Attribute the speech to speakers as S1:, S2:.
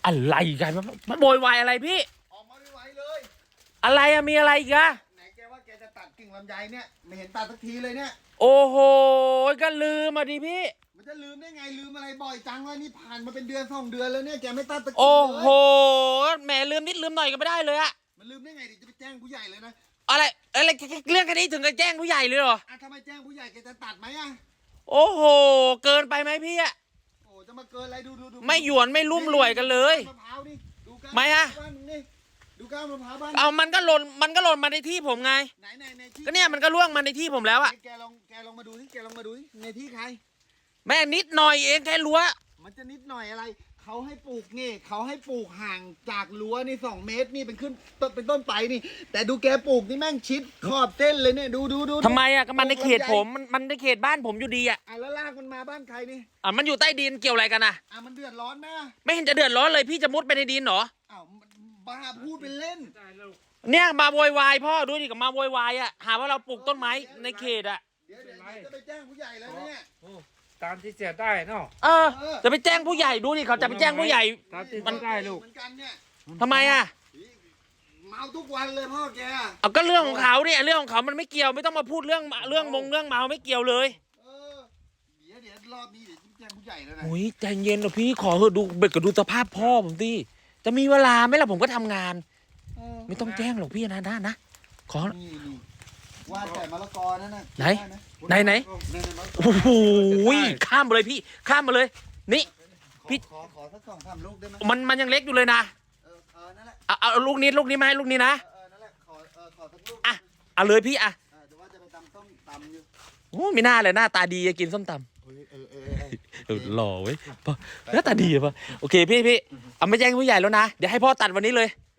S1: อะไรกันมันโวยวายอะไรพี่
S2: ออกมาไม่ไหวเลย
S1: อะไรอะมีอะไรอีกอะ
S2: ไหนแกว่าแกจะตัดกิ่งลำไยเนี่ยไม่เห็นตัดสักทีเลยเนี่ย
S1: โอ้โหก็ลืมมาดิพี่
S2: มันจะลืมได้ไงลืมอะไรบ่อยจังวะนี่ผ่านมาเป็นเดือน2 เดือนแล้วเนี่ยแกไม่ตัดสักที
S1: โอ้โห
S2: เลย
S1: แหมลืมนิดลืมหน่อยก็ไม่ได้เลยอะ
S2: มันลืมได้ไงดิจะไปแจ้งผู้ใหญ่เลยนะ
S1: อะไรเรื่องแค่นี้ถึงกับแจ้งผู้ใหญ่เลยเหรอ
S2: ถ้าไม่แจ้งผู้ใหญ่แกจะตัดไหมอะ
S1: โอ้โหเกินไปไหมพี่อะ
S2: โอ้จะมาเกินอะไรดู
S1: ไม่หยวนไม่ลุ่มรวยกันเลย
S2: มะพร้าวนี่ดูก้าน
S1: ไม่อะ
S2: บ้านมึงนี่ดูก้านมะพร้าวบ้าน
S1: เอามันก็หล่นมาในที่ผมไง
S2: ไหนที่
S1: ก็เนี่ยมันก็ล่วงมาในที่ผมแล้วอะ
S2: แกลองมาดูที่แกลองมาดูที่ในที่ใคร
S1: แม่นิดหน่อยเองแค่รั้ว
S2: มันจะนิดหน่อยอะไรเขาให้ปลูกนี่เขาให้ปลูกห่างจากรั้วนี่2 เมตรนี่เป็นต้นไปนี่ แต่ดูแกปลูกนี่แม่งชิดขอบเส้นเลยเนี่ยดู
S1: ทำไมอะก็มันในเขตผมมันในเขตบ้านผมอยู่ดีอะ
S2: แล้วลากมันมาบ้านใครนี่
S1: มันอยู่ใต้ดินเกี่ยวอะไรกันอะ
S2: มันเดือดร้อนไหม
S1: ไม่เห็นจะเดือดร้อนเลยพี่จะมุดไปในดินเหรอ
S2: บ้าพูดเป็นเล่น
S1: เนี่ยมาโวยวายพ่อดูดิกับมาโวยวายอะหาว่าเราปลูกต้นไม้ในเขตอะ
S2: เดี๋ยวจะไปแจ้งผู้ใหญ่แล้วเนี่ย
S3: ตามที่เสียได้เนาะ
S1: จะไปแจ้งผู้ใหญ่ดูดิเขาจะไปแจ้งผู้ใหญ่
S3: ตามที่มันได้ลูก
S2: เหมือนกันเนี่ย
S1: ทำไมอะ
S2: เมาทุกวันเลยพ่อแก
S1: ก็เรื่องของเขาเนี่ยเรื่องของเขามันไม่เกี่ยวไม่ต้องมาพูดเรื่องเมาไม่เกี่ยวเลย
S2: เดี๋ยวรอบนี้เดี๋ยวแจ้งผู้ใหญ่แล้วนะ
S1: โอ้ยใจเย็นหน่อยพี่ขอเถอะดูเบ็ดก็ดูสภาพพ่อผมสิจะมีเวลาไหมล่ะผมก็ทำงานไม่ต้องแจ้งหรอกพี่นะขอ
S2: นี่ว่าแต่มะละกอนั่นน่ะ
S1: ไหนโอ้โหข้ามมาเลยพี่ข้ามมาเลยนี่พี่
S2: ขอสัก2-3 ลูกได้ไหม
S1: มันยังเล็กอยู่เลยนะ
S2: นั่นแหละ
S1: เอาลูกนี้มาให้ลูกนี้นะ
S2: นั่นแหละขอสักลูก
S1: เอาเลยพี่
S2: เดี๋ยวว่าจะไปตำส้มตำอยู่
S1: โอ้ไม่น่าเลยหน้าตาดีจะกินส้มตำหล่อเว้ยหน้าตาดีป่ะโอเคพี่เอาไม่แจ้งผู้ใหญ่แล้วนะเดี๋ยวให้พ่อตัดวันนี้เลย